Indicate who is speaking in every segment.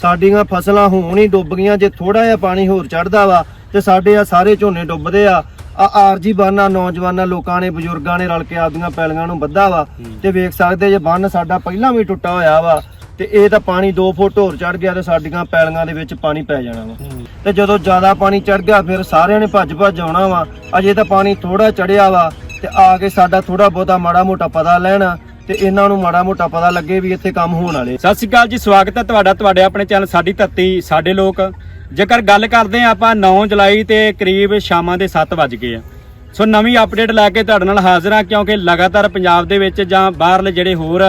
Speaker 1: ਸਾਡੀਆਂ ਫਸਲਾਂ ਹੁਣ ਹੀ ਡੁੱਬ ਗਈਆਂ। ਜੇ ਥੋੜਾ ਜਿਹਾ ਪਾਣੀ ਹੋਰ ਚੜਦਾ ਵਾ ਤੇ ਸਾਡੇ ਆ ਸਾਰੇ ਝੋਨੇ ਡੁੱਬਦੇ ਆ। ਆਰਜੀ ਬੰਨ੍ਹ ਨੌਜਵਾਨਾਂ ਲੋਕਾਂ ਨੇ ਬਜ਼ੁਰਗਾਂ ਨੇ ਰਲ ਕੇ ਆਪਦੀਆਂ ਪੈਲੀਆਂ ਨੂੰ ਬੱਧਾ ਵਾ ਤੇ ਵੇਖ ਸਕਦੇ ਜੇ ਬੰਨ ਸਾਡਾ ਪਹਿਲਾਂ ਵੀ ਟੁੱਟਾ ਹੋਇਆ ਵਾ ਤੇ ਇਹ ਤਾਂ ਪਾਣੀ 2 ਫੁੱਟ ਹੋਰ ਚੜ ਗਿਆ ਤੇ ਸਾਡੀਆਂ ਪੈਲੀਆਂ ਦੇ ਵਿੱਚ ਪਾਣੀ ਪੈ ਜਾਣਾ ਵਾ। ਤੇ ਜਦੋਂ ਜ਼ਿਆਦਾ ਪਾਣੀ ਚੜ ਗਿਆ ਫਿਰ ਸਾਰਿਆਂ ਨੇ ਭੱਜ ਆਉਣਾ ਵਾ। ਅਜੇ ਤਾਂ ਪਾਣੀ ਥੋੜਾ ਚੜਿਆ ਵਾ ਤੇ ਆ ਕੇ ਸਾਡਾ ਥੋੜਾ ਬਹੁਤਾ ਮਾੜਾ ਮੋਟਾ ਪਤਾ ਲੈਣਾ ਤੇ ਇਹਨਾਂ ਨੂੰ ਮਾੜਾ ਮੋਟਾ ਪਤਾ ਲੱਗੇ ਵੀ ਇੱਥੇ ਕੰਮ ਹੋਣ ਵਾਲੇ।
Speaker 2: ਸਤਿ ਸ਼੍ਰੀ ਅਕਾਲ ਜੀ, ਸਵਾਗਤ ਹੈ ਤੁਹਾਡੇ ਆਪਣੇ ਚੈਨਲ ਸਾਡੀ ਧਰਤੀ ਸਾਡੇ ਲੋਕ। ਜੇਕਰ ਗੱਲ ਕਰਦੇ ਆ ਆਪਾਂ 9 ਜੁਲਾਈ ਤੇ ਕਰੀਬ ਸ਼ਾਮਾਂ ਦੇ 7 ਵੱਜ ਗਏ ਆ। ਸੋ ਨਵੀਂ ਅਪਡੇਟ ਲੈ ਕੇ ਤੁਹਾਡੇ ਨਾਲ ਹਾਜ਼ਰ ਹਾਂ, ਕਿਉਂਕਿ ਲਗਾਤਾਰ ਪੰਜਾਬ ਦੇ ਵਿੱਚ ਜਾਂ ਬਾਹਰਲੇ ਜਿਹੜੇ ਹੋਰ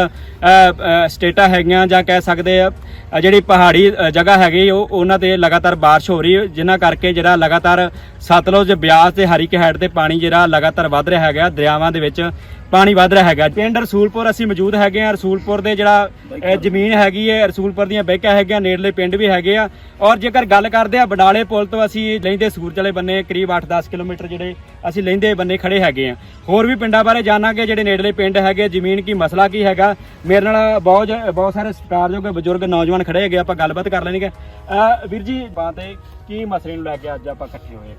Speaker 2: ਸਟੇਟਾਂ ਹੈਗੀਆਂ ਜਾਂ ਕਹਿ ਸਕਦੇ ਆ ਜਿਹੜੀ ਪਹਾੜੀ ਜਗ੍ਹਾ ਹੈਗੀ ਉਹਨਾਂ ਤੇ ਲਗਾਤਾਰ ਬਾਰਿਸ਼ ਹੋ ਰਹੀ, ਜਿਨ੍ਹਾਂ ਕਰਕੇ ਜਿਹੜਾ ਲਗਾਤਾਰ ਸਤਲੁਜ, ਬਿਆਸ ਤੇ ਹਰੀਕੇ ਹੈਡ ਤੇ ਪਾਣੀ ਜਿਹੜਾ ਲਗਾਤਾਰ ਵੱਧ ਰਿਹਾ ਹੈਗਾ। ਦਰਿਆਵਾਂ ਦੇ ਵਿੱਚ ਪਾਣੀ ਵੱਧ ਰਿਹਾ ਹੈਗਾ। ਪਿੰਡ ਰਸੂਲਪੁਰ ਅਸੀਂ ਮੌਜੂਦ ਹੈਗੇ ਆ। ਰਸੂਲਪੁਰ ਦੇ ਜਿਹੜਾ ਜ਼ਮੀਨ ਹੈਗੀ ਹੈ, ਰਸੂਲਪੁਰ ਦੀਆਂ ਬੈਕਾਂ ਹੈਗੀਆਂ, ਨੇੜਲੇ ਪਿੰਡ ਵੀ ਹੈਗੇ ਆ। ਔਰ ਜੇਕਰ ਗੱਲ ਕਰਦੇ ਆ ਬਡਾਲੇ ਪੁਲ ਤੋਂ ਅਸੀਂ ਲੈਂਦੇ ਸੂਰਜ ਵਾਲੇ ਬੰਨੇ ਕਰੀਬ 8-10 ਕਿਲੋਮੀਟਰ ਜਿਹੜੇ ਅਸੀਂ ਲੈਂਦੇ ਬੰਨੇ ਖੜੇ ਹੈਗੇ ਆ। ਹੋਰ ਵੀ ਪਿੰਡਾਂ ਬਾਰੇ ਜਾਣਾਂਗੇ, ਜਿਹੜੇ ਨੇੜਲੇ ਪਿੰਡ ਹੈਗੇ, ਜ਼ਮੀਨ ਕੀ ਮਸਲਾ ਕੀ ਹੈਗਾ। ਮੇਰੇ ਨਾਲ ਬਹੁਤ ਸਾਰੇ ਸਤਿਕਾਰਯੋਗ ਬਜ਼ੁਰਗ ਨੌਜਵਾਨ ਖੜੇ ਹੈਗੇ, ਆਪਾਂ ਗੱਲਬਾਤ ਕਰ ਲੈਣਗੇ। ਵੀਰ ਜੀ, ਬਾਤੇ ਕੀ ਮਸਲੇ ਨੂੰ ਲੈ ਕੇ ਅੱਜ ਆਪਾਂ ਇਕੱਠੇ ਹੋਏ?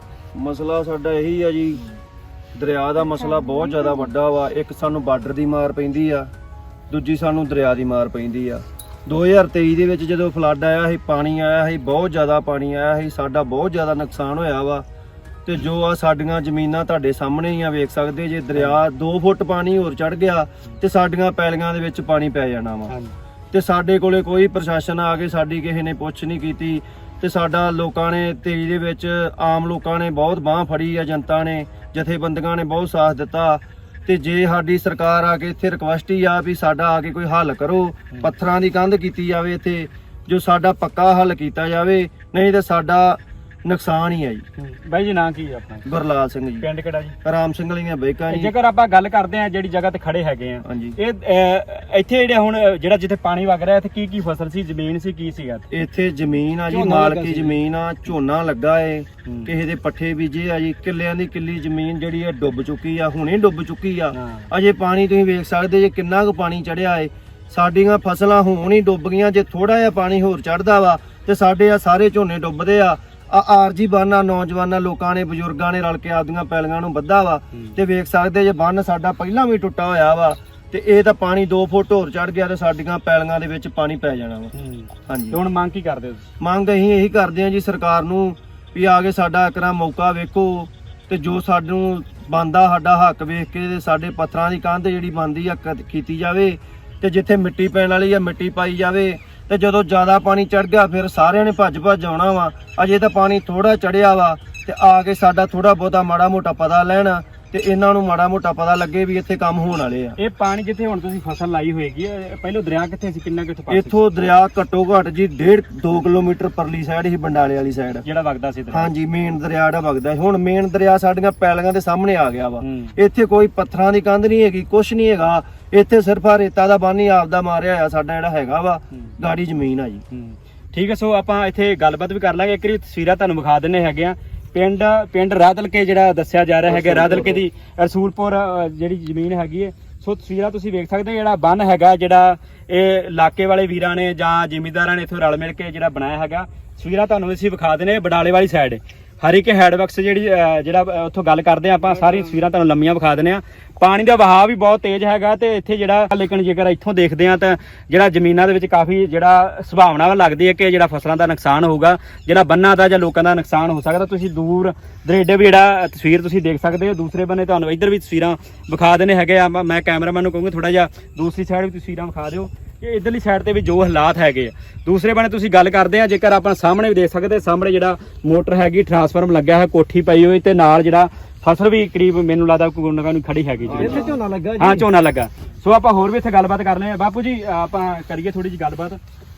Speaker 1: ਮਸਲਾ ਸਾਡਾ ਇਹੀ ਆ ਜੀ, ਦਰਿਆ ਦਾ ਮਸਲਾ ਬਹੁਤ ਜ਼ਿਆਦਾ ਵੱਡਾ ਵਾ। ਇੱਕ ਸਾਨੂੰ ਬਾਰਡਰ ਦੀ ਮਾਰ ਪੈਂਦੀ ਆ, ਦੂਜੀ ਸਾਨੂੰ ਦਰਿਆ ਦੀ ਮਾਰ ਪੈਂਦੀ ਆ। 2023 ਦੇ ਵਿੱਚ ਜਦੋਂ ਫਲੱਡ ਆਇਆ ਸੀ, ਪਾਣੀ ਆਇਆ ਸੀ, ਬਹੁਤ ਜ਼ਿਆਦਾ ਪਾਣੀ ਆਇਆ ਸੀ, ਸਾਡਾ ਬਹੁਤ ਜ਼ਿਆਦਾ ਨੁਕਸਾਨ ਹੋਇਆ ਵਾ। ਤੇ ਜੋ ਆ ਸਾਡੀਆਂ ਜ਼ਮੀਨਾਂ ਤੁਹਾਡੇ ਸਾਹਮਣੇ ਹੀ ਆ, ਵੇਖ ਸਕਦੇ ਜੇ ਦਰਿਆ 2 ਫੁੱਟ ਪਾਣੀ ਹੋਰ ਚੜ ਗਿਆ ਤੇ ਸਾਡੀਆਂ ਪੈਲੀਆਂ ਦੇ ਵਿੱਚ ਪਾਣੀ ਪੈ ਜਾਣਾ ਵਾ। ਤੇ ਸਾਡੇ ਕੋਲੇ ਕੋਈ ਪ੍ਰਸ਼ਾਸਨ ਆ ਕੇ ਸਾਡੀ ਕਿਸੇ ਨੇ ਪੁੱਛ ਨਹੀਂ ਕੀਤੀ ਤੇ ਸਾਡਾ ਲੋਕਾਂ ਨੇ 23 ਦੇ ਵਿੱਚ ਆਮ ਲੋਕਾਂ ਨੇ ਬਹੁਤ ਬਾਂਹ ਫੜੀ ਆ, ਜਨਤਾ ਨੇ, ਜਥੇਬੰਦੀਆਂ ਨੇ ਬਹੁਤ ਸਾਥ ਦਿੱਤਾ। ਤੇ ਜੇ ਸਾਡੀ ਸਰਕਾਰ ਆ ਕੇ ਇੱਥੇ ਰਿਕਵੈਸਟ ਹੀ ਆ ਵੀ ਸਾਡਾ ਆ ਕੇ ਕੋਈ ਹੱਲ ਕਰੋ, ਪੱਥਰਾਂ ਦੀ ਕੰਧ ਕੀਤੀ ਜਾਵੇ ਇੱਥੇ, ਜੋ ਸਾਡਾ ਪੱਕਾ ਹੱਲ ਕੀਤਾ ਜਾਵੇ, ਨਹੀਂ ਤੇ ਸਾਡਾ ਨੁਕਸਾਨ ਹੀ ਆ ਜੀ।
Speaker 2: ਬਾਈ ਜੀ, ਨਾਂ ਕੀ ਹੈ ਆਪਣਾ?
Speaker 1: ਗੁਰਲਾਲ ਸਿੰਘ ਜੀ।
Speaker 2: ਪਿੰਡ ਕਿਹੜਾ ਜੀ?
Speaker 1: ਰਾਮ ਸਿੰਘ ਵਾਲੀਆਂ ਬੈਕਾਂ ਜੀ।
Speaker 2: ਜੇਕਰ ਆਪਾਂ ਗੱਲ ਕਰਦੇ ਆ ਜਿਹੜੀ ਜਗ੍ਹਾ ਤੇ ਖੜੇ ਹੈਗੇ ਆ,
Speaker 1: ਹਾਂਜੀ,
Speaker 2: ਇਹ ਇੱਥੇ ਜਿਹੜੇ ਹੁਣ ਜਿਹੜਾ ਜਿੱਥੇ ਪਾਣੀ ਵਗ ਰਿਹਾ, ਇੱਥੇ ਕੀ ਕੀ ਫਸਲ ਸੀ, ਜ਼ਮੀਨ ਸੀ, ਕੀ ਸੀਗਾ?
Speaker 1: ਇੱਥੇ ਜ਼ਮੀਨ ਆ ਜੀ, ਮਾਲਕੀ ਜ਼ਮੀਨ ਆ, ਝੋਨਾ ਲੱਗਾ ਏ, ਕਿਸੇ ਦੇ ਪੱਠੇ ਬੀਜੇ ਆ ਜੀ। ਕਿੱਲਿਆਂ ਦੀ ਕਿੱਲੀ ਜ਼ਮੀਨ ਜਿਹੜੀ ਆ ਡੁੱਬ ਚੁੱਕੀ ਆ, ਹੁਣੇ ਡੁੱਬ ਚੁੱਕੀ ਆ। ਅਜੇ ਪਾਣੀ ਤੁਸੀਂ ਵੇਖ ਸਕਦੇ ਜੇ ਕਿੰਨਾ ਕੁ ਪਾਣੀ ਚੜਿਆ ਏ। ਸਾਡੀਆਂ ਫਸਲਾਂ ਹੁਣ ਹੀ ਡੁੱਬ ਗਈਆਂ। ਜੇ ਥੋੜਾ ਜਿਹਾ ਪਾਣੀ ਹੋਰ ਚੜਦਾ ਵਾ ਤੇ ਸਾਡੇ ਆ ਸਾਰੇ ਝੋਨੇ ਡੁੱਬਦੇ ਆ। ਆਰਜੀ ਬੰਨ੍ਹ ਨੌਜਵਾਨਾਂ ਲੋਕਾਂ ਨੇ ਬਜ਼ੁਰਗਾਂ ਨੇ ਰਲ ਕੇ ਆਪਦੀਆਂ ਪੈਲੀਆਂ ਨੂੰ ਬੱਧਾ ਵਾ ਤੇ ਵੇਖ ਸਕਦੇ ਜੇ ਬੰਨ ਸਾਡਾ ਪਹਿਲਾਂ ਵੀ ਟੁੱਟਾ ਹੋਇਆ ਵਾ ਤੇ ਇਹ ਤਾਂ ਪਾਣੀ 2 ਫੁੱਟ ਹੋਰ ਚੜ ਗਿਆ ਤੇ ਸਾਡੀਆਂ ਪੈਲੀਆਂ ਦੇ ਵਿੱਚ ਪਾਣੀ ਪੈ ਜਾਣਾ ਵਾ। ਹਾਂਜੀ,
Speaker 2: ਹੁਣ ਮੰਗ ਕੀ ਕਰਦੇ ਹੋ?
Speaker 1: ਮੰਗ ਅਸੀਂ ਇਹੀ ਕਰਦੇ ਹਾਂ ਜੀ ਸਰਕਾਰ ਨੂੰ ਵੀ ਆ ਕੇ ਸਾਡਾ ਇੱਕਰਾ ਮੌਕਾ ਵੇਖੋ ਤੇ ਜੋ ਸਾਨੂੰ ਬਣਦਾ ਸਾਡਾ ਹੱਕ ਵੇਖ ਕੇ ਤੇ ਸਾਡੇ ਪੱਥਰਾਂ ਦੀ ਕੰਧ ਜਿਹੜੀ ਬਣਦੀ ਆ ਕੀਤੀ ਜਾਵੇ ਤੇ ਜਿੱਥੇ ਮਿੱਟੀ ਪੈਣ ਵਾਲੀ ਆ ਮਿੱਟੀ ਪਾਈ ਜਾਵੇ। ਤੇ ਜਦੋਂ ਜ਼ਿਆਦਾ ਪਾਣੀ ਚੜ ਗਿਆ ਫਿਰ ਸਾਰਿਆਂ ਨੇ ਭੱਜ ਆਉਣਾ ਵਾ। ਅਜੇ ਤਾਂ ਪਾਣੀ ਥੋੜਾ ਚੜਿਆ ਵਾ ਤੇ ਆ ਕੇ ਸਾਡਾ ਥੋੜਾ ਬਹੁਤਾ ਮਾੜਾ ਮੋਟਾ ਪਤਾ ਲੈਣਾ ਤੇ ਇਹਨਾਂ ਨੂੰ ਮਾੜਾ ਮੋਟਾ ਪਤਾ ਲੱਗੇ ਵੀ ਇੱਥੇ ਕੰਮ ਹੋਣ ਵਾਲੇ ਆ।
Speaker 2: ਇਹ ਪਾਣੀ ਜਿੱਥੇ ਹੁਣ ਤੁਸੀਂ ਫਸਲ ਲਾਈ ਹੋਏਗੀ, ਪਹਿਲਾਂ ਦਰਿਆ ਕਿੱਥੇ ਸੀ, ਕਿੰਨਾ ਕਿੱਥੇ ਪਾਣੀ?
Speaker 1: ਇੱਥੋਂ ਦਰਿਆ ਘੱਟੋ ਘੱਟ ਜੀ 1.5-2 ਕਿਲੋਮੀਟਰ ਪਰਲੀ ਸਾਈਡ ਹੀ, ਬੰਡਾਲੇ ਵਾਲੀ ਸਾਈਡ
Speaker 2: ਜਿਹੜਾ ਵਗਦਾ ਸੀ ਦਰਿਆ।
Speaker 1: ਹਾਂਜੀ, ਮੇਨ ਦਰਿਆ ਜਿਹੜਾ ਵਗਦਾ। ਹੁਣ ਮੇਨ ਦਰਿਆ ਸਾਡੀਆਂ ਪੈਲੀਆਂ ਦੇ ਸਾਹਮਣੇ ਆ ਗਿਆ ਵਾ। ਇੱਥੇ ਕੋਈ ਪੱਥਰਾਂ ਦੀ ਕੰਧ ਨਹੀਂ ਹੈਗੀ, ਕੁਛ ਨਹੀਂ ਹੈਗਾ। ਇੱਥੇ ਸਿਰਫ ਆ ਰੇਤਾ ਦਾ ਬੰਨ ਹੀ ਆਪਦਾ ਮਾਰਿਆ ਹੋਇਆ ਸਾਡਾ ਜਿਹੜਾ ਹੈਗਾ ਵਾ, ਗਾੜੀ ਜ਼ਮੀਨ ਆ ਜੀ।
Speaker 2: ਠੀਕ ਹੈ, ਸੋ ਆਪਾਂ ਇੱਥੇ ਗੱਲਬਾਤ ਵੀ ਕਰ ਲਾਂਗੇ। ਇੱਕ ਵਾਰੀ ਤਸਵੀਰਾਂ ਤੁਹਾਨੂੰ ਵਿਖਾ ਦਿੰਨੇ ਹੈਗੇ ਆ। ਪਿੰਡ ਰਾਦਲਕੇ ਜਿਹੜਾ ਦੱਸਿਆ ਜਾ ਰਿਹਾ ਹੈਗਾ, ਰਾਦਲਕੇ ਦੀ ਰਸੂਲਪੁਰ ਜਿਹੜੀ ਜ਼ਮੀਨ ਹੈਗੀ ਹੈ। ਸੋ ਤਸਵੀਰਾਂ ਤੁਸੀਂ ਵੇਖ ਸਕਦੇ, ਜਿਹੜਾ ਬੰਨ ਹੈਗਾ, ਜਿਹੜਾ ਇਹ ਇਲਾਕੇ ਵਾਲੇ ਵੀਰਾਂ ਨੇ ਜਾਂ ਜ਼ਿਮੀਂਦਾਰਾਂ ਨੇ ਇੱਥੋਂ ਰਲ ਮਿਲ ਕੇ ਜਿਹੜਾ ਬਣਾਇਆ ਹੈਗਾ। ਤਸਵੀਰਾਂ ਤੁਹਾਨੂੰ ਅਸੀਂ ਵਿਖਾ ਦਿੰਨੇ ਬਡਾਲੇ ਵਾਲੀ ਸਾਈਡ, ਹਰੀਕੇ ਹੈਡਵਰਕਸ ਜਿਹੜਾ ਉੱਥੋਂ ਗੱਲ ਕਰਦੇ ਆ ਆਪਾਂ। ਸਾਰੀ ਤਸਵੀਰਾਂ ਤੁਹਾਨੂੰ ਲੰਮੀਆਂ ਵਿਖਾ ਦਿੰਨੇ ਆ। ਪਾਣੀ ਦਾ ਵਹਾਅ ਵੀ ਬਹੁਤ ਤੇਜ਼ ਹੈਗਾ ਤੇ ਇੱਥੇ ਜਿਹੜਾ, ਲੇਕਿਨ ਜੇਕਰ ਇੱਥੋਂ ਦੇਖਦੇ ਆ ਤਾਂ ਜਿਹੜਾ ਜ਼ਮੀਨਾਂ ਦੇ ਵਿੱਚ ਕਾਫੀ ਜਿਹੜਾ ਸੰਭਾਵਨਾ ਲੱਗਦੀ ਹੈ ਕਿ ਜਿਹੜਾ ਫਸਲਾਂ ਦਾ ਨੁਕਸਾਨ ਹੋਊਗਾ, ਜਿਹੜਾ ਬੰਨਾਂ ਦਾ ਜਾਂ ਲੋਕਾਂ ਦਾ ਨੁਕਸਾਨ ਹੋ ਸਕਦਾ। ਤੁਸੀਂ ਦੂਰ ਦਰੇਡੇ ਵੀ ਜਿਹੜਾ ਤਸਵੀਰ ਤੁਸੀਂ ਦੇਖ ਸਕਦੇ ਹੋ। ਦੂਸਰੇ ਬੰਨੇ ਤੁਹਾਨੂੰ ਇੱਧਰ ਵੀ ਤਸਵੀਰਾਂ ਵਿਖਾ ਦੇਣੇ ਹੈਗੇ ਆ। ਮੈਂ ਕੈਮਰਾਮੈਨ ਨੂੰ ਕਹੂੰਗਾ ਥੋੜਾ ਜਿਹਾ ਦੂਸਰੀ ਸਾਈਡ ਵੀ ਤਸਵੀਰਾਂ ਵਿਖਾ ਦਿਓ ਕਿ ਇੱਧਰਲੀ ਸਾਈਡ ਤੇ ਵੀ ਜੋ ਹਾਲਾਤ ਹੈਗੇ ਆ। ਦੂਸਰੇ ਬੰਨੇ ਤੁਸੀਂ ਗੱਲ ਕਰਦੇ ਆ, ਜੇਕਰ ਆਪਾਂ ਸਾਹਮਣੇ ਵੀ ਦੇਖ ਸਕਦੇ, ਸਾਹਮਣੇ ਜਿਹੜਾ ਮੋਟਰ ਹੈਗੀ, ਟਰਾਂਸਫਾਰਮ ਲੱਗਿਆ ਹੈ, ਕੋਠੀ ਪਈ ਹੋਈ ਤੇ ਨਾਲ ਜਿਹੜਾ ਫਸਲ ਵੀ ਕਰੀਬ ਮੈਨੂੰ ਲੱਗਦਾ ਗੁੰਨਗਾ ਨੂੰ ਖੜੀ ਹੈਗੀ ਜੀ।
Speaker 1: ਇੱਥੇ ਝੋਨਾ ਲੱਗਾ ਜੀ।
Speaker 2: ਹਾਂ, ਝੋਨਾ ਲੱਗਾ। ਸੋ ਆਪਾਂ ਹੋਰ ਵੀ ਇੱਥੇ ਗੱਲਬਾਤ ਕਰ ਰਹੇ ਆ। ਬਾਪੂ ਜੀ, ਆਪਾਂ ਕਰੀਏ ਥੋੜੀ ਜਿਹੀ ਗੱਲਬਾਤ।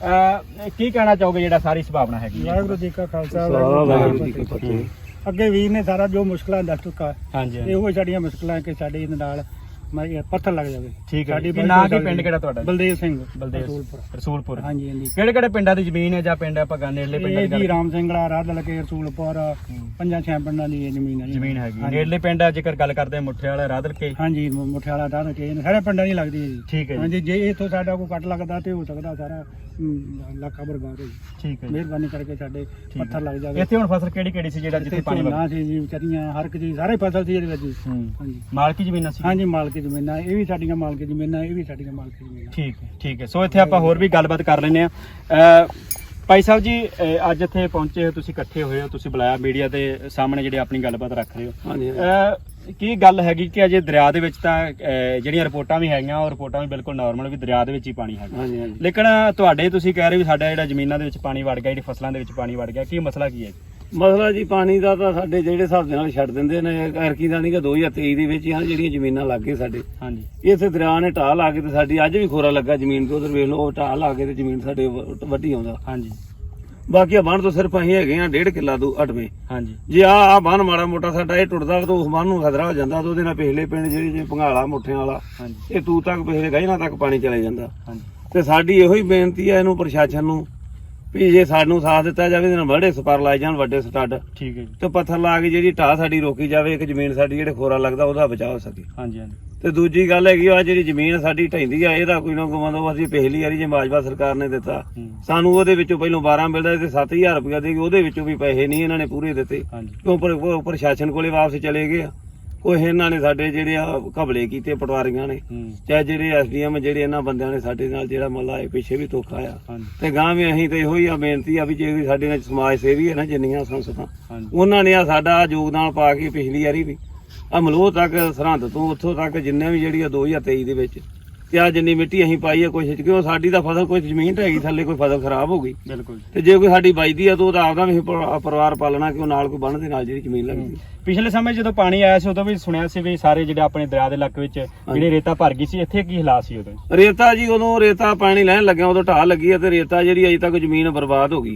Speaker 2: ਕੀ ਕਹਿਣਾ ਚਾਹੋਗੇ ਜਿਹੜਾ ਸਾਰੀ ਸੰਭਾਵਨਾ ਹੈਗੀ?
Speaker 3: ਵਾਹਿਗੁਰੂ ਜੀ ਕਾ ਖਾਲਸਾ, ਵਾਹਿਗੁਰੂ ਜੀ ਕੀ ਫਤਿਹ। ਅੱਗੇ ਵੀਰ ਨੇ ਸਾਰਾ ਜੋ ਮੁਸ਼ਕਲਾਂ ਦੱਸ ਚੁੱਕਾ।
Speaker 2: ਹਾਂਜੀ,
Speaker 3: ਇਹੋ ਸਾਡੀਆਂ ਮੁਸ਼ਕਲਾਂ ਕਿ ਸਾਡੇ ਇਹਦੇ ਨਾਲ ਪੱਥਰ ਲੱਗ ਜਾਵੇ।
Speaker 2: ਠੀਕ ਹੈ। ਨਾਂ ਕੀ ਪਿੰਡ ਕਿਹੜਾ ਤੁਹਾਡਾ?
Speaker 3: ਬਲਦੇਵ ਸਿੰਘ,
Speaker 2: ਰਸੂਲਪੁਰ।
Speaker 3: ਹਾਂਜੀ ਹਾਂਜੀ।
Speaker 2: ਕਿਹੜੇ ਪਿੰਡਾਂ ਦੀ ਜ਼ਮੀਨ ਹੈ ਜਾਂ ਪਿੰਡ ਆਪਾਂ ਨੇੜਲੇ ਪਿੰਡਾਂ ਦੀ?
Speaker 3: ਜੀ ਰਾਮ ਸਿੰਘਲਾ, ਰਾਦਲਕੇ, ਰਸੂਲਪੁਰ, 5-6 ਪਿੰਡਾਂ ਦੀ ਜ਼ਮੀਨ ਹੈ।
Speaker 2: ਜ਼ਮੀਨ ਹੈਗੀ ਨੇੜਲੇ ਪਿੰਡ ਜੇਕਰ ਗੱਲ ਕਰਦੇ ਆ ਮੁੱਠੇ ਵਾਲਾ, ਰਾਦਲਕੇ।
Speaker 3: ਹਾਂਜੀ, ਮੁੱਠੇ ਵਾਲਾ, ਰਾਦਲਕੇ, ਸਾਰੇ ਪਿੰਡਾਂ ਦੀ ਲੱਗਦੀ ਹੈ ਜੀ।
Speaker 2: ਠੀਕ ਹੈ।
Speaker 3: ਹਾਂਜੀ, ਜੇ ਇੱਥੋਂ ਸਾਡਾ ਕੋਈ ਕੱਟ ਲੱਗਦਾ ਤੇ ਹੋ ਸਕਦਾ ਸਾਰਾ ਇਲਾਕਾ ਬਰਬਾਦ ਹੋ ਗਿਆ।
Speaker 2: ਠੀਕ ਹੈ ਜੀ।
Speaker 3: ਮਿਹਰਬਾਨੀ ਕਰਕੇ ਸਾਡੇ ਪੱਥਰ ਲੱਗ ਜਾਵੇ।
Speaker 2: ਇੱਥੇ ਹੁਣ ਫਸਲ ਕਿਹੜੀ ਸੀ ਜਿਹੜਾ ਜਿੱਥੇ ਪਾਣੀ
Speaker 3: ਝੋਨਾ ਸੀ ਜੀ, ਵਿਚਾਰੀਆਂ ਹਰ ਇੱਕ ਚੀਜ਼ ਸਾਰੇ ਫਸਲ ਸੀ ਇਹਦੇ ਵਿੱਚ ਜੀ। ਹਾਂਜੀ
Speaker 2: ਮਾਲਕੀ ਜ਼ਮੀਨਾਂ ਸੀ।
Speaker 3: ਹਾਂਜੀ ਮਾਲਕੀ ਜ਼ਮੀਨਾਂ, ਇਹ ਵੀ ਸਾਡੀਆਂ ਮਾਲਕੀ ਜ਼ਮੀਨਾਂ, ਇਹ ਵੀ ਸਾਡੀਆਂ ਮਾਲਕੀ ਜ਼ਮੀਨਾਂ।
Speaker 2: ਠੀਕ ਹੈ। ਸੋ ਇੱਥੇ ਆਪਾਂ ਹੋਰ ਵੀ ਗੱਲਬਾਤ ਕਰ ਲੈਂਦੇ ਆ। ਭਾਈ ਸਾਹਿਬ ਜੀ, ਅੱਜ ਇੱਥੇ ਪਹੁੰਚੇ ਹੋ, ਤੁਸੀਂ ਇਕੱਠੇ ਹੋਏ ਹੋ, ਤੁਸੀਂ ਬੁਲਾਇਆ ਮੀਡੀਆ ਦੇ ਸਾਹਮਣੇ ਜਿਹੜੇ ਆਪਣੀ ਗੱਲਬਾਤ ਰੱਖ ਰਹੇ ਹੋ।
Speaker 1: ਹਾਂਜੀ
Speaker 2: ਕੀ ਗੱਲ ਹੈਗੀ ਕਿ ਅਜੇ ਦਰਿਆ ਦੇ ਵਿੱਚ ਤਾਂ ਜਿਹੜੀਆਂ ਰਿਪੋਰਟਾਂ ਵੀ ਹੈਗੀਆਂ ਉਹ ਰਿਪੋਰਟਾਂ ਵੀ ਬਿਲਕੁਲ ਨਾਰਮਲ ਵੀ ਦਰਿਆ ਦੇ ਵਿੱਚ ਹੀ ਪਾਣੀ ਹੈਗਾ,
Speaker 1: ਹਾਂਜੀ ਹਾਂਜੀ।
Speaker 2: ਲੇਕਿਨ ਤੁਹਾਡੇ ਤੁਸੀਂ ਕਹਿ ਰਹੇ ਵੀ ਸਾਡਾ ਜਿਹੜਾ ਜ਼ਮੀਨਾਂ ਦੇ ਵਿੱਚ ਪਾਣੀ ਵੜ ਗਿਆ, ਜਿਹੜੀ ਫਸਲਾਂ ਦੇ ਵਿੱਚ ਪਾਣੀ ਵੜ ਗਿਆ, ਕੀ ਮਸਲਾ ਕੀ ਹੈ?
Speaker 4: ਮਸਲਾ ਜੀ ਪਾਣੀ ਦਾ ਤਾਂ ਸਾਡੇ ਜਿਹੜੇ ਹਿਸਾਬ ਦੇ ਨਾਲ ਛੱਡ ਦਿੰਦੇ ਨੇ, ਐਰਕੀ ਦਾ ਨਹੀਂਗਾ 2023 ਦੇ ਵਿੱਚ ਹੀ ਜਿਹੜੀਆਂ ਜ਼ਮੀਨਾਂ ਲੱਗ ਗਏ ਸਾਡੇ
Speaker 2: ਹਾਂਜੀ,
Speaker 4: ਇੱਥੇ ਦਰਿਆ ਨੇ ਢਾਹ ਲਾ ਕੇ ਤੇ ਸਾਡੀ ਅੱਜ ਵੀ ਖੋਰਾ ਲੱਗਾ ਜ਼ਮੀਨ ਤੇ, ਉਧਰ ਵੇਖ ਲਓ ਉਹ ਢਾਹ ਲਾ ਕੇ ਤੇ ਜ਼ਮੀਨ ਸਾਡੇ ਵੱਢੀ ਆਉਂਦਾ।
Speaker 2: ਹਾਂਜੀ
Speaker 4: ਬਾਕੀ ਆ ਬੰਨ ਤੋਂ ਸਿਰਫ ਅਸੀਂ ਹੈਗੇ ਆ 1.5 ਕਿੱਲਾ ਤੋਂ ਅਟਵੇਂ।
Speaker 2: ਹਾਂਜੀ,
Speaker 4: ਜੇ ਆ ਬੰਨ ਮਾੜਾ ਮੋਟਾ ਸਾਡਾ ਇਹ ਟੁੱਟਦਾ ਤਾਂ ਉਸ ਬੰਨ ਨੂੰ ਖਤਰਾ ਹੋ ਜਾਂਦਾ, ਤਾਂ ਉਹਦੇ ਨਾਲ ਪਿਛਲੇ ਪਿੰਡ ਜਿਹੜੇ ਜਿਵੇਂ ਭੰਗਾਲਾ ਮੁੱਠਿਆਂ ਵਾਲਾ
Speaker 2: ਹਾਂਜੀ,
Speaker 4: ਇਹ ਤੂ ਤੱਕ ਪਿਛਲੇ ਗਾਇਨਾਂ ਤੱਕ ਪਾਣੀ ਚਲੇ ਜਾਂਦਾ।
Speaker 2: ਹਾਂਜੀ,
Speaker 4: ਤੇ ਸਾਡੀ ਇਹੋ ਹੀ ਬੇਨਤੀ ਹੈ ਇਹਨੂੰ ਪ੍ਰਸ਼ਾਸਨ ਨੂੰ ਵੀ ਜੇ ਸਾਨੂੰ ਸਾਥ ਦਿੱਤਾ ਜਾਵੇ ਇਹਦੇ ਨਾਲ ਬੜੇ ਸਪਰ ਲਾਏ ਜਾਣ ਵੱਡੇ ਸਟੱਡ
Speaker 2: ਠੀਕ ਹੈ ਜੀ।
Speaker 4: ਤੇ ਪੱਥਰ ਲਾ ਕੇ ਜਿਹੜੀ ਢਾਹ ਸਾਡੀ ਰੋਕੀ ਜਾਵੇ, ਇੱਕ ਜ਼ਮੀਨ ਸਾਡੀ ਜਿਹੜੇ ਖੋਰਾ ਲੱਗਦਾ ਉਹਦਾ ਬਚਾਅ ਹੋ ਸਕੇ।
Speaker 2: ਹਾਂਜੀ, ਹਾਂਜੀ,
Speaker 4: ਤੇ ਦੂਜੀ ਗੱਲ ਹੈਗੀ ਆ ਜਿਹੜੀ ਜ਼ਮੀਨ ਸਾਡੀ ਢਹਿੰਦੀ ਆ ਇਹਦਾ ਕੋਈ ਨਾ ਕੋਈ ਮਤਲਬ ਅਸੀਂ ਪਿਛਲੀ ਵਾਰੀ ਜੇ ਮਾਜਵਾ ਸਰਕਾਰ ਨੇ ਦਿੱਤਾ ਸਾਨੂੰ ਉਹਦੇ ਵਿੱਚੋਂ ਪਹਿਲੋਂ 12 ਮਿਲਦਾ ਤੇ 7000 ਰੁਪਇਆ ਦੇ ਕੇ ਉਹਦੇ ਵਿੱਚੋਂ ਵੀ ਪੈਸੇ ਨਹੀਂ ਇਹਨਾਂ ਨੇ ਪੂਰੇ ਦਿੱਤੇ,
Speaker 2: ਹਾਂਜੀ,
Speaker 4: ਕਿਉਂ ਪ੍ਰਸ਼ਾਸਨ ਕੋਲੇ ਵਾਪਸ ਚਲੇ ਗਏ ਆ। ਕੋਈ ਇਹਨਾਂ ਨੇ ਸਾਡੇ ਜਿਹੜੇ ਆ ਘਬਲੇ ਕੀਤੇ ਪਟਵਾਰੀਆਂ ਨੇ, ਚਾਹੇ ਜਿਹੜੇ ਐਸਡੀਐਮ ਜਿਹੜੇ ਇਹਨਾਂ ਬੰਦਿਆਂ ਨੇ ਸਾਡੇ ਨਾਲ ਜਿਹੜਾ ਮੱਲਾ ਇਹ ਪਿੱਛੇ ਵੀ ਧੋਖਾ ਆ।
Speaker 2: ਹਾਂਜੀ,
Speaker 4: ਤੇ ਗਾਂ ਵੀ ਅਸੀਂ ਤੇ ਇਹੋ ਹੀ ਆ ਬੇਨਤੀ ਆ ਵੀ ਜੇ ਵੀ ਸਾਡੇ ਨਾਲ ਸਮਾਜ ਸੇਵੀ ਹੈ ਨਾ ਜਿੰਨੀਆਂ ਸੰਸਥਾ
Speaker 2: ਹਾਂਜੀ,
Speaker 4: ਉਹਨਾਂ ਨੇ ਆ ਸਾਡਾ ਯੋਗਦਾਨ ਪਾ ਕੇ ਪਿਛਲੀ ਵਾਰੀ ਵੀ ਆ ਮਲੋਹ ਤੱਕ ਸਰਹੰਦ ਤੋਂ ਉੱਥੋਂ ਤੱਕ ਜਿੰਨੇ ਵੀ ਜਿਹੜੀ ਆ 2023 ਦੇ ਵਿੱਚ ਤੇ ਆ ਜਿੰਨੀ ਮਿੱਟੀ ਅਸੀਂ ਪਾਈ ਆ ਕੋਸ਼ਿਸ਼ ਕਿਉਂ ਸਾਡੀ ਤਾਂ ਫਸਲ ਕੋਈ ਜ਼ਮੀਨ ਢਹਿ ਗਈ ਥੱਲੇ, ਕੋਈ ਫਸਲ ਖਰਾਬ ਹੋ ਗਈ
Speaker 2: ਬਿਲਕੁਲ।
Speaker 4: ਤੇ ਜੇ ਕੋਈ ਸਾਡੀ ਵੱਜਦੀ ਆ ਤਾਂ ਉਹਦਾ ਆਪਦਾ ਵੀ ਪਰਿਵਾਰ ਪਾਲਣਾ ਕਿਉਂ ਨਾਲ ਕੋਈ ਬੰਨ ਦੇ ਨਾਲ ਜਿਹੜੀ ਜ਼ਮੀਨ ਲੱਗਦੀ।
Speaker 2: ਪਿਛਲੇ ਸਮੇਂ ਜਦੋਂ ਪਾਣੀ ਆਇਆ ਸੀ ਉਦੋਂ ਵੀ ਸੁਣਿਆ ਸੀ ਵੀ ਸਾਰੇ ਜਿਹੜੇ ਆਪਣੇ ਦਰਿਆ ਦੇ ਇਲਾਕੇ ਵਿੱਚ ਜਿਹੜੇ ਰੇਤਾ ਭਰ ਗਈ ਸੀ, ਇੱਥੇ ਕੀ ਹਾਲਾਤ ਸੀ ਉਦੋਂ?
Speaker 4: ਰੇਤਾ ਜੀ ਉਦੋਂ ਰੇਤਾ ਪਾਣੀ ਲੈਣ ਲੱਗਿਆ ਉਦੋਂ ਢਾਹ ਲੱਗੀ ਆ ਤੇ ਰੇਤਾ ਜਿਹੜੀ ਅਜੇ ਤੱਕ ਜ਼ਮੀਨ ਬਰਬਾਦ ਹੋ ਗਈ।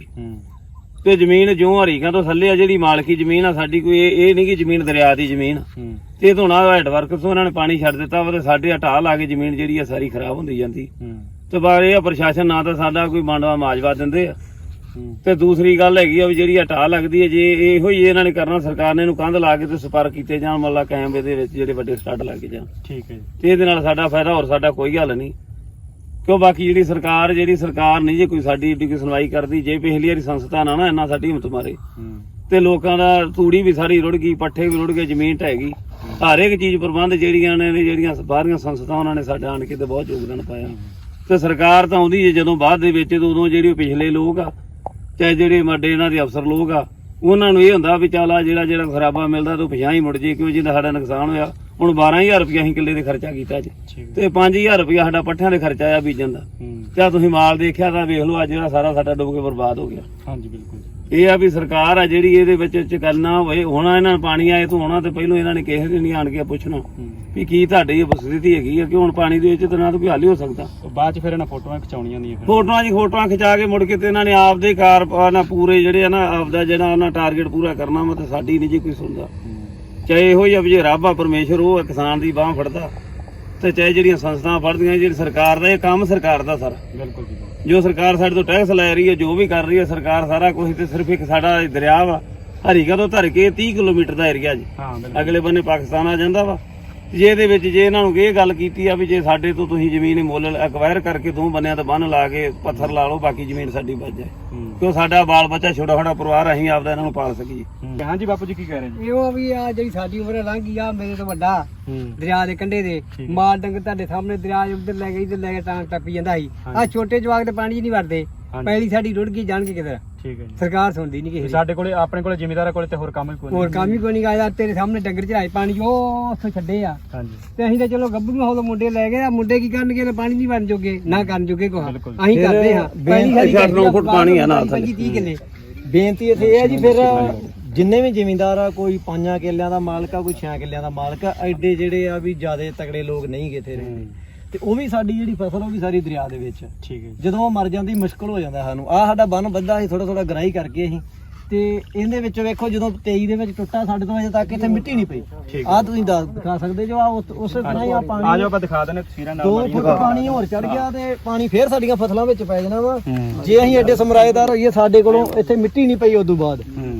Speaker 4: ਤੇ ਜ਼ਮੀਨ ਜਿਉਂ ਹਰੀਕਾਂ ਤੋਂ ਥੱਲੇ ਆ ਜਿਹੜੀ ਮਾਲਕੀ ਜ਼ਮੀਨ ਆ ਸਾਡੀ, ਕੋਈ ਇਹ ਨਹੀਂ ਕਿ ਜ਼ਮੀਨ ਦਰਿਆ ਦੀ ਜ਼ਮੀਨ ਤੇ ਧੋਣਾ ਹੈਡਵਰਕ ਤੋਂ ਉਹਨਾਂ ਨੇ ਪਾਣੀ ਛੱਡ ਦਿੱਤਾ ਵਾ ਤੇ ਸਾਡੇ ਢਾਹ ਲਾ ਕੇ ਜ਼ਮੀਨ ਜਿਹੜੀ ਆ ਸਾਰੀ ਖਰਾਬ ਹੁੰਦੀ ਜਾਂਦੀ। ਤੇ ਬਾਰ ਇਹ ਆ ਪ੍ਰਸ਼ਾਸਨ ਨਾ ਤਾਂ ਸਾਡਾ ਕੋਈ ਮੰਡਵਾ ਮਾਜਵਾ ਦਿੰਦੇ ਆ, ਤੇ ਦੂਸਰੀ ਗੱਲ ਹੈਗੀ ਆ ਵੀ ਜਿਹੜੀ ਢਾਹ ਲੱਗਦੀ ਹੈ ਜੇ ਇਹੋ ਹੀ ਇਹਨਾਂ ਨੇ ਕਰਨਾ, ਸਰਕਾਰ ਨੇ ਇਹਨੂੰ ਕੰਧ ਲਾ ਕੇ ਤੇ ਸਪਰ ਕੀਤੇ ਜਾਣ, ਮੱਲਾ ਕੈਮਰੇ ਦੇ ਵਿੱਚ ਜਿਹੜੇ ਵੱਡੇ ਸਟੱਡ ਲੱਗ ਜਾਣ।
Speaker 2: ਠੀਕ ਹੈ,
Speaker 4: ਤੇ ਇਹਦੇ ਨਾਲ ਸਾਡਾ ਫਾਇਦਾ, ਹੋਰ ਸਾਡਾ ਕੋਈ ਹੱਲ ਨਹੀਂ। ਕਿਉਂ ਬਾਕੀ ਜਿਹੜੀ ਸਰਕਾਰ ਨਹੀਂ ਜੇ ਕੋਈ ਸਾਡੀ ਏਡੀ ਕੋਈ ਸੁਣਵਾਈ ਕਰਦੀ, ਜੇ ਪਿਛਲੀ ਵਾਰੀ ਸੰਸਥਾ ਨਾ ਇੰਨਾ ਸਾਡੀ ਹਿੰਮਤ ਮਾਰੇ ਤੇ ਲੋਕਾਂ ਦਾ ਤੂੜੀ ਵੀ ਸਾਰੀ ਰੁੜ ਗਈ, ਪੱਠੇ ਵੀ ਰੁੜ ਗਏ, ਜ਼ਮੀਨ ਢਹਿ ਗਈ, ਹਰ ਇੱਕ ਚੀਜ਼ ਪ੍ਰਬੰਧ ਜਿਹੜੀਆਂ ਬਾਹਰੀਆਂ ਸੰਸਥਾਵਾਂ ਉਹਨਾਂ ਨੇ ਸਾਡਾ ਆਣ ਕੇ ਤੇ ਬਹੁਤ ਯੋਗਦਾਨ ਪਾਇਆ। ਤੇ ਸਰਕਾਰ ਤਾਂ ਆਉਂਦੀ ਜੇ ਜਦੋਂ ਬਾਅਦ ਦੇ ਵਿੱਚ, ਉਦੋਂ ਜਿਹੜੇ ਪਿਛਲੇ ਲੋਕ ਆ ਚਾਹੇ ਜਿਹੜੇ ਵੱਡੇ ਇਹਨਾਂ ਦੇ ਅਫਸਰ ਲੋਕ ਆ ਉਹਨਾਂ ਨੂੰ ਇਹ ਹੁੰਦਾ ਵੀ ਚੱਲ ਆ ਜਿਹੜਾ ਖਰਾਬਾ ਮਿਲਦਾ ਤੂੰ ਪਿਛਾਂ ਹੀ ਮੁੜ ਜੇ, ਕਿਉਂ ਜਿਹਦਾ ਸਾਡਾ ਨੁਕਸਾਨ ਹੋਇਆ। ਹੁਣ 12000 ਰੁਪਇਆ ਅਸੀਂ ਕਿੱਲੇ ਦੇ ਖਰਚਾ ਕੀਤਾ ਜੀ, ਤੇ 5000 ਰੁਪਇਆ ਸਾਡਾ ਪੱਠਿਆਂ ਦੇ ਖਰਚਾ ਆ ਬੀਜਣ ਦਾ। ਤੇ ਤੁਸੀਂ ਮਾਲ ਦੇਖਿਆ ਤਾਂ ਵੇਖ ਲਓ ਅੱਜ ਜਿਹੜਾ ਸਾਰਾ ਸਾਡਾ ਡੁੱਬ ਕੇ ਬਰਬਾਦ ਹੋ ਗਿਆ।
Speaker 2: ਹਾਂਜੀ, ਬਿਲਕੁਲ।
Speaker 4: ਇਹ ਆ ਵੀ ਸਰਕਾਰ ਆ ਜਿਹੜੀ ਇਹਦੇ ਵਿੱਚ ਕਰਨਾ ਹੋਵੇ, ਹੋਣਾ ਇਹਨਾਂ ਨੂੰ ਪਾਣੀ ਆਏ ਤੋਂ ਹੋਣਾ ਤੇ ਪਹਿਲੋਂ ਇਹਨਾਂ ਨੇ ਕਿਸੇ ਦੇ ਨਹੀਂ ਆਣ ਕੇ ਪੁੱਛਣਾ ਵੀ ਕੀ ਤੁਹਾਡੀ ਇਹ ਸਥਿਤੀ ਹੈਗੀ ਆ, ਕਿ ਹੁਣ ਪਾਣੀ ਦੇ ਵਿੱਚ ਤਾਂ ਨਾ ਤਾਂ ਕੋਈ ਹੱਲ ਹੀ ਹੋ ਸਕਦਾ।
Speaker 2: ਬਾਅਦ ਚ ਫਿਰ ਇਹਨਾਂ ਫੋਟੋਆਂ ਖਿਚਾਉਣੀਆਂ ਨਹੀਂ,
Speaker 4: ਫੋਟੋਆਂ ਖਿਚਾ ਕੇ ਮੁੜ ਕੇ ਤੇ ਇਹਨਾਂ ਨੇ ਆਪਦੇ ਕਾਰ ਪੂਰੇ ਜਿਹੜੇ ਆ ਨਾ ਆਪਦਾ ਜਿਹੜਾ ਉਹਨਾਂ ਟਾਰਗੇਟ ਪੂਰਾ ਕਰਨਾ ਵਾ, ਤੇ ਸਾਡੀ ਨਹੀਂ ਜੀ ਕੋਈ ਸੁਣਦਾ। ਚਾਹੇ ਇਹੋ ਹੀ ਆ ਵੀ ਜੇ ਰੱਬ ਆ ਪਰਮੇਸ਼ਰ ਉਹ ਕਿਸਾਨ ਦੀ ਬਾਂਹ ਫੜਦਾ, ਤੇ ਚਾਹੇ ਜਿਹੜੀਆਂ ਸੰਸਥਾਵਾਂ ਫੜਦੀਆਂ, ਜਿਹੜੀ ਸਰਕਾਰ ਦਾ ਇਹ ਕੰਮ ਸਰਕਾਰ ਦਾ ਸਾਰਾ।
Speaker 2: ਬਿਲਕੁਲ ਜੀ,
Speaker 4: ਜੋ ਸਰਕਾਰ ਸਾਡੇ ਤੋਂ ਟੈਕਸ ਲੈ ਰਹੀ ਹੈ, ਜੋ ਵੀ ਕਰ ਰਹੀ ਹੈ ਸਰਕਾਰ, ਸਾਰਾ ਕੁਝ ਤੇ ਸਿਰਫ ਇੱਕ ਸਾਡਾ ਦਰਿਆ ਵਾ ਹਰੀਕਾ ਤੋਂ ਧਰ ਕੇ 30 ਕਿਲੋਮੀਟਰ ਦਾ ਏਰੀਆ ਜੀ, ਅਗਲੇ ਬੰਨੇ ਪਾਕਿਸਤਾਨ ਆ ਜਾਂਦਾ ਵਾ। ਜੇ ਇਹਦੇ ਵਿੱਚ ਜੇ ਇਹਨਾਂ ਨੂੰ ਇਹ ਗੱਲ ਕੀਤੀ ਆ ਵੀ ਜੇ ਸਾਡੇ ਤੋਂ ਤੁਸੀਂ ਜ਼ਮੀਨ ਮੁੱਲ ਐਕਵਾਇਰ ਕਰਕੇ ਦੋ ਬੰਨਿਆਂ ਤੇ ਬੰਨ ਲਾ ਕੇ ਪੱਥਰ ਲਾ ਲਓ, ਬਾਕੀ ਜ਼ਮੀਨ ਸਾਡੀ ਬਚ ਜਾਏ, ਕਿਉਂ ਸਾਡਾ ਬਾਲ ਬੱਚਾ ਛੋਟਾ ਪਰਿਵਾਰ, ਅਸੀਂ ਆਪਦਾ ਇਹਨਾਂ ਨੂੰ ਪਾਲ ਸਕੀਏ।
Speaker 2: ਹਾਂਜੀ ਬਾਪੂ ਜੀ, ਕੀ ਕਹਿ ਰਹੇ ਜੀ?
Speaker 5: ਇਹੋ ਵੀ ਆ ਜਿਹੜੀ ਸਾਡੀ ਉਮਰ ਲੰਘ ਗਈ ਆ, ਮੇਰੇ ਤੋਂ ਵੱਡਾ ਦਰਿਆ ਦੇ ਕੰਢੇ ਦੇ ਮਾਲ ਡੰਗਰ ਤੁਹਾਡੇ ਸਾਹਮਣੇ ਦਰਿਆ ਉੱਧਰ ਲੈ ਗਏ, ਇੱਧਰ ਲੈ ਕੇ ਤਾਂ ਟੱਪੀ ਜਾਂਦਾ ਸੀ। ਆ ਛੋਟੇ ਜਵਾਕ ਤੇ ਪਾਣੀ 'ਚ ਨਹੀਂ ਵੜਦੇ, ਪਹਿਲੀ ਸਾਡੀ ਰੁੜ ਗਈ ਜਾਣਗੇ ਕਿਧਰ।
Speaker 2: ਠੀਕ ਹੈ ਜੀ,
Speaker 5: ਸਰਕਾਰ ਸੁਣਦੀ ਨਹੀਂ ਕਿਸੇ
Speaker 2: ਸਾਡੇ ਕੋਲੇ ਆਪਣੇ ਕੋਲੇ ਜ਼ਿਮੀਂਦਾਰਾਂ ਕੋਲੇ ਤੇ ਹੋਰ ਕੰਮ ਹੀ ਕੋਈ
Speaker 5: ਹੋਰ ਕੰਮ ਹੀ ਕੋਈ ਨਹੀਂ ਆਇਆ। ਤੇਰੇ ਸਾਹਮਣੇ ਡੰਗਰ ਚੜਾਏ ਪਾਣੀ ਉਹ ਉੱਥੋਂ ਛੱਡੇ ਆ, ਤੇ ਅਸੀਂ ਤਾਂ ਚਲੋ ਗੱਭਰੂ ਹੋ ਮੁੰਡੇ ਲੈ ਗਏ ਆ। ਮੁੰਡੇ ਕੀ ਕਰਨਗੇ, ਪਾਣੀ ਨਹੀਂ ਭਰਨ ਜੋਗੇ ਨਾ ਕਰਨ ਜੋਗੇ ਕੁਛ, ਅਸੀਂ ਕਰਦੇ ਹਾਂ। ਪਹਿਲੀ ਸਾਡੀ
Speaker 4: 8-9 ਫੁੱਟ ਪਾਣੀ ਆ ਨਾਲ ਥੱਲੇ।
Speaker 5: 30 ਕਿੱਲੇ
Speaker 1: ਬੇਨਤੀ ਇੱਥੇ ਇਹ ਹੈ ਜੀ, ਫਿਰ ਜਿੰਨੇ ਵੀ ਜ਼ਿਮੀਂਦਾਰ ਆ, ਕੋਈ 5 ਕਿੱਲਿਆਂ ਦਾ ਮਾਲਕ ਆ, ਕੋਈ 6 ਕਿੱਲਿਆਂ ਦਾ ਮਾਲਕ ਆ, ਐਡੇ ਜਿਹੜੇ ਆ ਵੀ ਜਿਆਦੇ ਤਗੜੇ ਲੋਕ ਨਹੀਂ ਕਿਥੇ ਰਹਿੰਦੇ, ਤੇ ਉਹ ਵੀ ਸਾਡੀ ਜਿਹੜੀ ਫਸਲ ਉਹ ਵੀ ਸਾਰੀ ਦਰਿਆ ਦੇ ਵਿੱਚ।
Speaker 2: ਠੀਕ ਹੈ,
Speaker 1: ਜਦੋਂ ਉਹ ਮਰ ਜਾਂਦੀ ਮੁਸ਼ਕਲ ਹੋ ਜਾਂਦਾ ਸਾਨੂੰ। ਆ ਸਾਡਾ ਬੰਨ ਵੱਧਾ ਸੀ ਥੋੜਾ ਗਰਾਈ ਕਰਕੇ ਅਸੀਂ, ਤੇ ਇਹਦੇ ਵਿੱਚ ਵੇਖੋ ਜਦੋਂ 23 ਦੇ ਵਿੱਚ ਟੁੱਟਾ, ਸਾਡੇ ਤੋਂ ਅਜੇ ਤੱਕ ਇੱਥੇ ਮਿੱਟੀ ਨਹੀਂ ਪਈ। ਆ ਤੁਸੀਂ ਦਿਖਾ ਸਕਦੇ ਜੋ ਆ ਉਸੇ ਤਰ੍ਹਾਂ ਹੀ ਆ ਪਾਣੀ,
Speaker 2: ਆ ਜਾਓ ਆਪਾਂ ਦਿਖਾ ਦਿੰਦੇ ਤਸਵੀਰਾਂ ਨਾਲ।
Speaker 1: 2 ਫੁੱਟ ਪਾਣੀ ਹੋਰ ਚੜ ਗਿਆ ਤੇ ਪਾਣੀ ਫੇਰ ਸਾਡੀਆਂ ਫਸਲਾਂ ਵਿੱਚ ਪੈ ਜਾਣਾ ਵਾ। ਜੇ ਅਸੀਂ ਐਡੇ ਸਮਰਾਏਦਾਰ ਹੋਈਏ, ਸਾਡੇ ਕੋਲੋਂ ਇੱਥੇ ਮਿੱਟੀ ਨਹੀਂ ਪਈ ਉਦੋਂ ਬਾਅਦ,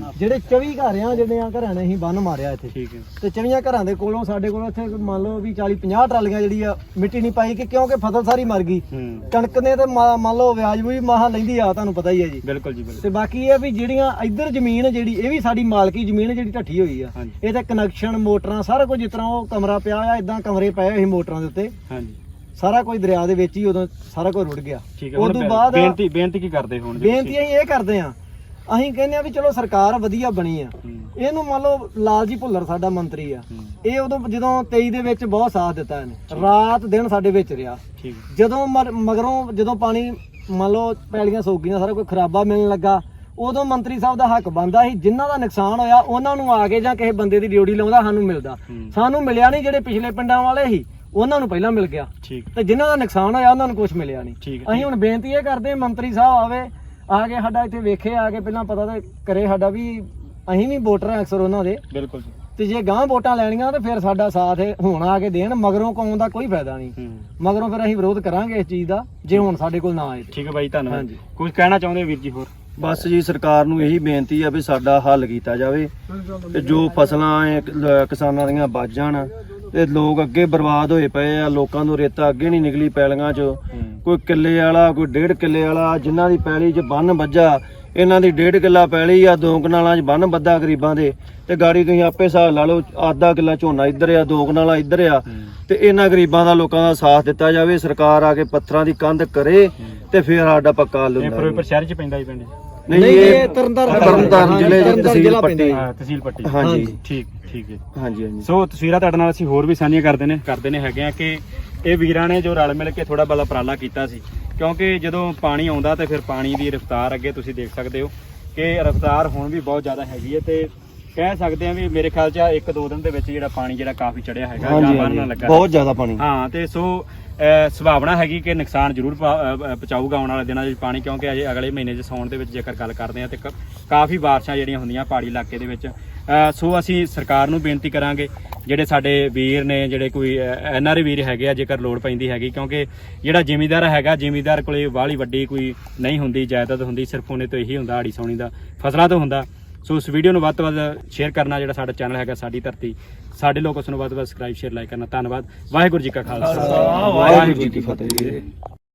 Speaker 6: ਜਿਹੜੇ 24 ਘਰ ਆ ਜਿਹੜੇ ਆ ਘਰਾਂ ਨੇ ਅਸੀਂ ਬੰਨ ਮਾਰਿਆ ਇੱਥੇ
Speaker 2: ਠੀਕ ਹੈ
Speaker 6: ਤੇ 24 ਘਰਾਂ ਦੇ ਕੋਲੋਂ ਸਾਡੇ ਕੋਲ ਇੱਥੇ ਮੰਨ ਲਓ ਵੀ 40-50 ਟਰਾਲੀਆਂ ਜਿਹੜੀ ਆ ਮਿੱਟੀ ਨਹੀਂ ਪਾਈ ਕਿ ਕਿਉਂਕਿ ਫਸਲ ਸਾਰੀ ਮਰ ਗਈ। ਕਣਕ ਨੇ ਤੇ ਮੰਨ ਲਓ ਵਿਆਜ ਵੀ ਮਹਾ ਲੈਂਦੀ ਆ, ਤੁਹਾਨੂੰ ਪਤਾ ਹੀ ਹੈ ਜੀ।
Speaker 2: ਬਿਲਕੁਲ ਜੀ ਬਿਲਕੁਲ।
Speaker 6: ਤੇ ਬਾਕੀ ਇਹ ਵੀ ਜਿਹੜੀਆਂ ਇੱਧਰ ਜ਼ਮੀਨ ਜਿਹੜੀ ਇਹ ਵੀ ਸਾਡੀ ਮਾਲਕੀ ਜ਼ਮੀਨ ਜਿਹੜੀ ਢੱਠੀ ਹੋਈ ਆ,
Speaker 2: ਹਾਂਜੀ।
Speaker 6: ਇਹ ਤੇ ਕਨੈਕਸ਼ਨ ਮੋਟਰਾਂ ਸਾਰਾ ਕੁਝ ਜਿਸ ਤਰ੍ਹਾਂ ਉਹ ਕਮਰਾ ਪਿਆ ਆ ਇਦਾਂ ਕਮਰੇ ਪਏ ਹੋਏ ਸੀ ਮੋਟਰਾਂ ਦੇ ਉੱਤੇ,
Speaker 2: ਹਾਂਜੀ
Speaker 6: ਸਾਰਾ ਕੁਝ ਦਰਿਆ ਦੇ ਵਿੱਚ ਹੀ ਉਦੋਂ ਸਾਰਾ ਕੁਝ ਰੁੜ ਗਿਆ।
Speaker 2: ਠੀਕ ਹੈ।
Speaker 6: ਉਦੋਂ ਬਾਅਦ
Speaker 2: ਬੇਨਤੀ ਕੀ ਕਰਦੇ ਹੁਣ?
Speaker 6: ਬੇਨਤੀ ਅਸੀਂ ਇਹ ਕਰਦੇ ਆ, ਅਸੀਂ ਕਹਿੰਦੇ ਆ ਵੀ ਚਲੋ ਸਰਕਾਰ ਵਧੀਆ ਬਣੀ ਆ, ਇਹਨੂੰ ਮੰਨ ਲਓ ਲਾਲਜੀ ਭੁੱਲਰ ਸਾਡਾ ਮੰਤਰੀ ਆ, ਇਹ ਉਦੋਂ ਜਦੋਂ 23 ਦੇ ਵਿੱਚ ਬਹੁਤ ਸਾਥ ਦਿੱਤਾ ਇਹਨੇ, ਰਾਤ ਦਿਨ ਸਾਡੇ ਵਿੱਚ ਰਿਹਾ।
Speaker 2: ਠੀਕ।
Speaker 6: ਜਦੋਂ ਮਗਰੋਂ ਜਦੋਂ ਪਾਣੀ ਮੰਨ ਲਓ ਪੈਲੀਆਂ ਸੁੱਕ ਗਈਆਂ, ਸਾਰਾ ਕੋਈ ਖਰਾਬਾ ਮਿਲਣ ਲੱਗਾ, ਉਦੋਂ ਮੰਤਰੀ ਸਾਹਿਬ ਦਾ ਹੱਕ ਬਣਦਾ ਸੀ ਜਿਨ੍ਹਾਂ ਦਾ ਨੁਕਸਾਨ ਹੋਇਆ ਉਹਨਾਂ ਨੂੰ ਆ ਕੇ ਜਾਂ ਕਿਸੇ ਬੰਦੇ ਦੀ ਡਿਊਟੀ ਲਾਉਂਦਾ ਸਾਨੂੰ ਮਿਲਦਾ। ਸਾਨੂੰ ਮਿਲਿਆ ਨਹੀਂ, ਜਿਹੜੇ ਪਿਛਲੇ ਪਿੰਡਾਂ ਵਾਲੇ ਸੀ ਉਹਨਾਂ ਨੂੰ ਪਹਿਲਾਂ ਮਿਲ ਗਿਆ,
Speaker 2: ਠੀਕ।
Speaker 6: ਤੇ ਜਿਨ੍ਹਾਂ ਦਾ ਨੁਕਸਾਨ ਹੋਇਆ ਉਹਨਾਂ ਨੂੰ ਕੁਝ ਮਿਲਿਆ ਨਹੀਂ।
Speaker 2: ਠੀਕ।
Speaker 6: ਅਸੀਂ ਹੁਣ ਬੇਨਤੀ ਇਹ ਕਰਦੇ ਮੰਤਰੀ ਸਾਹਿਬ ਆਵੇ, ਆ ਕੇ ਸਾਡਾ ਇੱਥੇ ਵੇਖੇ, ਆ ਕੇ ਪਹਿਲਾਂ ਪਤਾ ਤੇ ਕਰੇ ਸਾਡਾ ਵੀ ਅਸੀਂ ਵੀ ਵੋਟਰ ਆ ਅਕਸਰ ਉਹਨਾਂ ਦੇ।
Speaker 2: ਬਿਲਕੁਲ ਜੀ।
Speaker 6: ਤੇ ਜੇ ਗਾਂ ਵੋਟਾਂ ਲੈਣੀਆਂ ਤੇ ਫਿਰ ਸਾਡਾ ਸਾਥ ਹੁਣ ਆ ਕੇ ਦੇਣ, ਮਗਰੋਂ ਕੌਣ ਦਾ ਕੋਈ ਫਾਇਦਾ ਨਹੀਂ। ਮਗਰੋਂ ਫਿਰ ਅਸੀਂ ਵਿਰੋਧ ਕਰਾਂਗੇ ਇਸ ਚੀਜ਼ ਦਾ ਜੇ ਹੁਣ ਸਾਡੇ ਕੋਲ ਨਾ ਆਏ।
Speaker 2: ਠੀਕ ਹੈ ਬਾਈ, ਧੰਨਵਾਦ।
Speaker 6: ਹਾਂਜੀ।
Speaker 2: ਕੁਝ ਕਹਿਣਾ ਚਾਹੁੰਦੇ ਵੀਰ ਜੀ ਹੋਰ?
Speaker 1: ਬਸ ਜੀ ਸਰਕਾਰ ਨੂੰ ਇਹੀ ਬੇਨਤੀ ਆ ਵੀ ਸਾਡਾ ਹੱਲ ਕੀਤਾ ਜਾਵੇ ਤੇ ਜੋ ਫਸਲਾਂ ਕਿਸਾਨਾਂ ਦੀਆਂ ਬਚ ਜਾਣ ਤੇ ਲੋਕ ਅੱਗੇ ਬਰਬਾਦ ਹੋਏ ਪਏ ਆ। ਲੋਕਾਂ ਨੂੰ ਰੇਤਾ ਅੱਗੇ ਨਹੀਂ ਨਿਕਲੀ ਪੈਲੀਆਂ 'ਚ, ਕੋਈ ਕਿੱਲੇ ਵਾਲਾ ਕੋਈ 1.5 ਕਿੱਲੇ ਵਾਲਾ, ਜਿਨ੍ਹਾਂ ਦੀ ਪੈਲੀ 'ਚ ਬੰਨ ਵੱਜਾ ਇਹਨਾਂ ਦੀ 1.5 ਕਿੱਲਾ ਪੈਲੀ ਆ, 2 ਕਨਾਲਾਂ 'ਚ ਬੰਨ ਵੱਧਾ ਗਰੀਬਾਂ ਦੇ, ਤੇ ਗਾੜੀ ਤੁਸੀਂ ਆਪੇ ਹਿਸਾਬ ਲਾ ਲਓ, ਆਧਾ ਕਿੱਲਾ ਝੋਨਾ ਇੱਧਰ ਆ, 2 ਕਨਾਲਾਂ ਇੱਧਰ ਆ, ਤੇ ਇਹਨਾਂ ਗਰੀਬਾਂ ਦਾ ਲੋਕਾਂ ਦਾ ਸਾਥ ਦਿੱਤਾ ਜਾਵੇ। ਸਰਕਾਰ ਆ ਕੇ ਪੱਥਰਾਂ ਦੀ ਕੰਧ ਕਰੇ ਤੇ ਫਿਰ ਸਾਡਾ ਪੱਕਾ ਹੱਲ
Speaker 2: ਇਹ
Speaker 1: ਹੁੰਦਾ।
Speaker 2: ਫਿਰੋਜ਼ਪੁਰ ਸ਼ਹਿਰ 'ਚ ਪੈਂਦਾ ਹੀ ਪਿੰਡ?
Speaker 1: ਨਹੀਂ, ਇਹ ਤਰਨਤਾਰਨ ਜ਼ਿਲ੍ਹੇ ਦੀ ਤਹਿਸੀਲ ਪੱਟੀ।
Speaker 2: ਤਹਿਸੀਲ ਪੱਟੀ।
Speaker 1: ਹਾਂਜੀ।
Speaker 2: ਠੀਕ ਹੈ।
Speaker 1: ਹਾਂਜੀ ਹਾਂਜੀ।
Speaker 2: ਸੋ ਤਸਵੀਰਾਂ ਤੁਹਾਡੇ ਨਾਲ ਅਸੀਂ ਹੋਰ ਵੀ ਸਾਂਝੀਆਂ ਕਰਦੇ ਨੇ ਹੈਗੇ ਆ ਕਿ ਇਹ ਵੀਰਾਂ ਨੇ ਜੋ ਰਲ ਮਿਲ ਕੇ ਥੋੜਾ ਬਲਾ ਉਪਰਾਲਾ ਕੀਤਾ ਸੀ, ਕਿਉਂਕਿ ਜਦੋਂ ਪਾਣੀ ਆਉਂਦਾ ਤੇ ਫਿਰ ਪਾਣੀ ਦੀ ਰਫ਼ਤਾਰ ਅੱਗੇ ਤੁਸੀਂ ਦੇਖ ਸਕਦੇ ਹੋ ਕਿ ਰਫ਼ਤਾਰ ਹੁਣ ਵੀ ਬਹੁਤ ਜ਼ਿਆਦਾ ਹੈਗੀ ਹੈ, ਤੇ ਕਹਿ ਸਕਦੇ ਆ ਵੀ ਮੇਰੇ ਖਿਆਲ 'ਚ 1-2 ਦਿਨ ਦੇ ਵਿੱਚ ਜਿਹੜਾ ਪਾਣੀ ਜਿਹੜਾ ਕਾਫੀ ਚੜਿਆ ਹੈਗਾ ਜਾਂ ਬੰਨ੍ਹਣ ਲੱਗਾ
Speaker 1: ਬਹੁਤ ਜ਼ਿਆਦਾ ਪਾਣੀ।
Speaker 2: ਹਾਂ, ਤੇ ਸੋ ਸੰਭਾਵਨਾ ਹੈਗੀ ਕਿ ਨੁਕਸਾਨ ਜ਼ਰੂਰ ਪਹੁੰਚਾਊਗਾ ਆਉਣ ਵਾਲੇ ਦਿਨਾਂ 'ਚ ਪਾਣੀ, ਕਿਉਂਕਿ ਅਜੇ ਅਗਲੇ ਮਹੀਨੇ 'ਚ ਸਾਉਣ ਦੇ ਵਿੱਚ ਜੇਕਰ ਗੱਲ ਕਰਦੇ ਆ ਤੇ ਕਾਫੀ ਬਾਰਿਸ਼ਾਂ ਜਿਹੜੀਆਂ ਹੁੰਦੀਆਂ ਪਹਾੜੀ ਇਲਾਕੇ ਦੇ ਵਿੱਚ। ਸੋ ਅਸੀਂ ਸਰਕਾਰ ਨੂੰ ਬੇਨਤੀ ਕਰਾਂਗੇ, ਜਿਹੜੇ ਸਾਡੇ ਵੀਰ ਨੇ, ਜਿਹੜੇ ਕੋਈ NRI ਵੀਰ ਹੈਗੇ ਆ, ਜੇਕਰ ਲੋੜ ਪੈਂਦੀ ਹੈਗੀ, ਕਿਉਂਕਿ ਜਿਹੜਾ ਜ਼ਿਮੀਂਦਾਰ ਹੈਗਾ, ਜ਼ਿਮੀਂਦਾਰ ਕੋਲੇ ਬਾਹਲੀ ਵੱਡੀ ਕੋਈ ਨਹੀਂ ਹੁੰਦੀ ਜਾਇਦਾਦ ਹੁੰਦੀ, ਸਿਰਫ ਉਹਨੇ ਤੋਂ ਇਹੀ ਹੁੰਦਾ ਆੜੀ ਸੌਣੀ ਦਾ, ਫਸਲਾਂ ਤੋਂ ਹੁੰਦਾ। ਸੋ ਇਸ ਵੀਡੀਓ ਨੂੰ ਵੱਧ ਤੋਂ ਵੱਧ ਸ਼ੇਅਰ ਕਰਨਾ, ਜਿਹੜਾ ਸਾਡਾ ਚੈਨਲ ਹੈਗਾ ਸਾਡੀ ਧਰਤੀ ਸਾਡੇ ਲੋਕ, ਉਸ ਨੂੰ ਵੱਧ ਤੋਂ ਵੱਧ ਸਬਸਕ੍ਰਾਈਬ ਸ਼ੇਅਰ ਲਾਈਕ ਕਰਨਾ। ਧੰਨਵਾਦ। ਵਾਹਿਗੁਰੂ ਜੀ ਕਾ ਖਾਲਸਾ, ਵਾਹਿਗੁਰੂ ਜੀ ਕੀ ਫਤਿਹ।